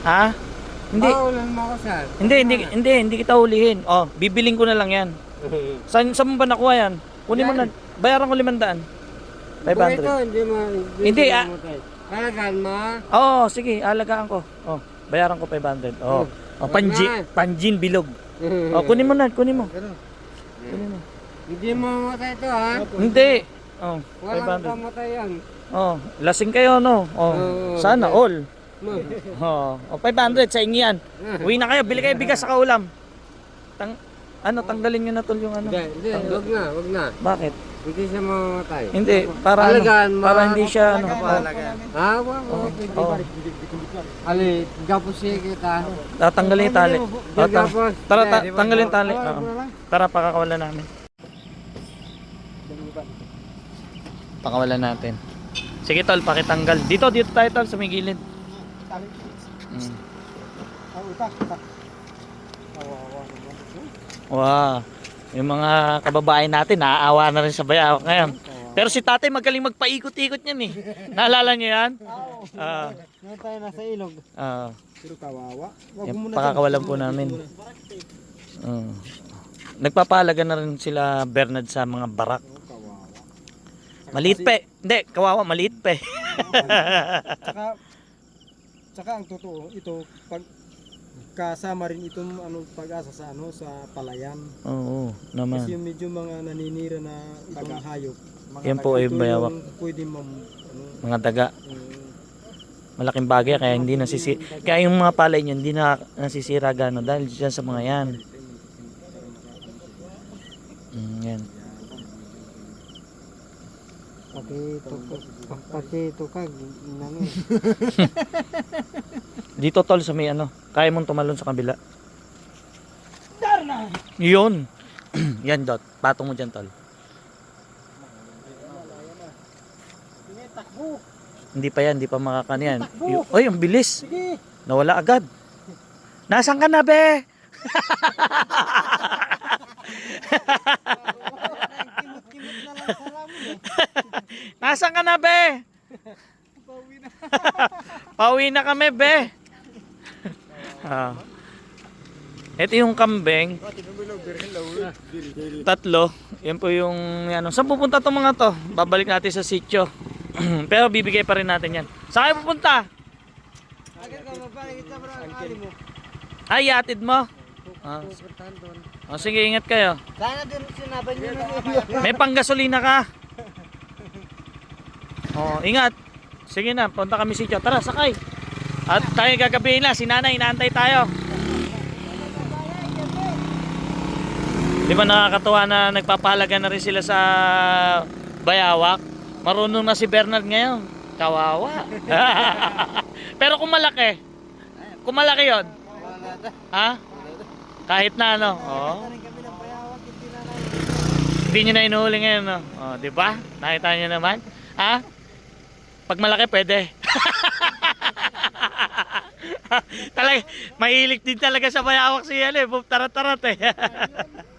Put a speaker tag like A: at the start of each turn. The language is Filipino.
A: Ha? Hindi.
B: Paulan mo ako, sir.
A: Hindi kita hulihin. Oh, bibiling ko na lang yan. Saan mo ba nakuha yan? Kunin mo na. Bayaran ko 500. 500.
B: Ito,
A: Hindi,
B: Alagaan mo.
A: Oo, sige, alagaan ko. Oh, bayaran ko 500. Oh, panjin bilog. Oh, kunin mo na, kunin mo. Kunin mo.
B: Hindi mo mamatay ito, ha?
A: Hindi. Oh,
B: Walang
A: 500.
B: kamatay yan.
A: Oh, lasing kayo, no? Oh, sana all. Oh, 500 sa inyo yan. Uwi na kayo, bili kayo bigas sa kaulam. Tanggalin nyo na tol yung ano.
B: Hindi, wag na.
A: Bakit?
B: Hindi siya mamamatay.
A: Hindi, para
B: Alagaan mo.
A: para hindi siya ano.
B: Wag. Ali, gapos siya kita.
A: Tatanggalin yung tali.
B: Gapos.
A: Tara, tanggalin yung tali. Tara, pakakawalan namin. Pakawalan natin. Sige tol, pakitanggal. Dito tayo tol, sa may gilid. Wow. Yung mga kababayan natin, naaawa na rin sa bayawak ngayon. Pero si tatay magaling magpaikot-ikot niyan eh. Naalala niyo yan?
B: Ngayon tayo nasa ilog. Pero kawawa.
A: Pakakawalan po namin. Nagpapahalaga na rin sila Bernard sa mga barak. Maliit pa eh. Hindi, kawawa, maliit pa eh.
B: Tsaka ang totoo, ito, pag kasama rin itong pag-asa sa sa palayan.
A: Oo, naman.
B: Kasi yung medyo mga naninira na ibang hayop.
A: Yan po ay bayawak.
B: Pwede
A: Mga daga. Malaking bagay kaya hindi nasisira. Kaya yung mga palay niyan hindi na nasisira gano dahil diyan sa mga yan. Yan.
B: Pati ito ka,
A: Dito tol sa may ano, kaya mong tumalon sa kabila. Yun. Yan dot, patong mo dyan tol. Hindi pa yan, hindi pa makakaniyan. Oy, ang bilis. Nawala agad. Nasaan ka na be? Nasaan ka na be? Pauwi na kami be. Ito yung kambing. Tatlo. Yan po yung ano. Saan pupunta itong mga to? Babalik natin sa sitio. Pero bibigay pa rin natin yan. Saan kayo pupunta? Ay, yatid mo? Sige, ingat kayo.
B: Sana din sinaban nyo na.
A: May panggasolina ka. Ingat. Sige na, punta kami sitio. Tara, sakay. At tayo gagabihin na, si nanay, inaantay tayo. Di ba nakakatuwa na nagpapahalaga na rin sila sa bayawak? Marunong na si Bernard ngayon. Kawawa. Pero kung malaki yon, ha? Kahit na ano, hindi nyo na inuhuli ngayon, no? Di ba? Nakita nyo naman, ha? Pag malaki, pwede. Talaga, mahilig din talaga sa bayawak siya, tarat-tarat eh.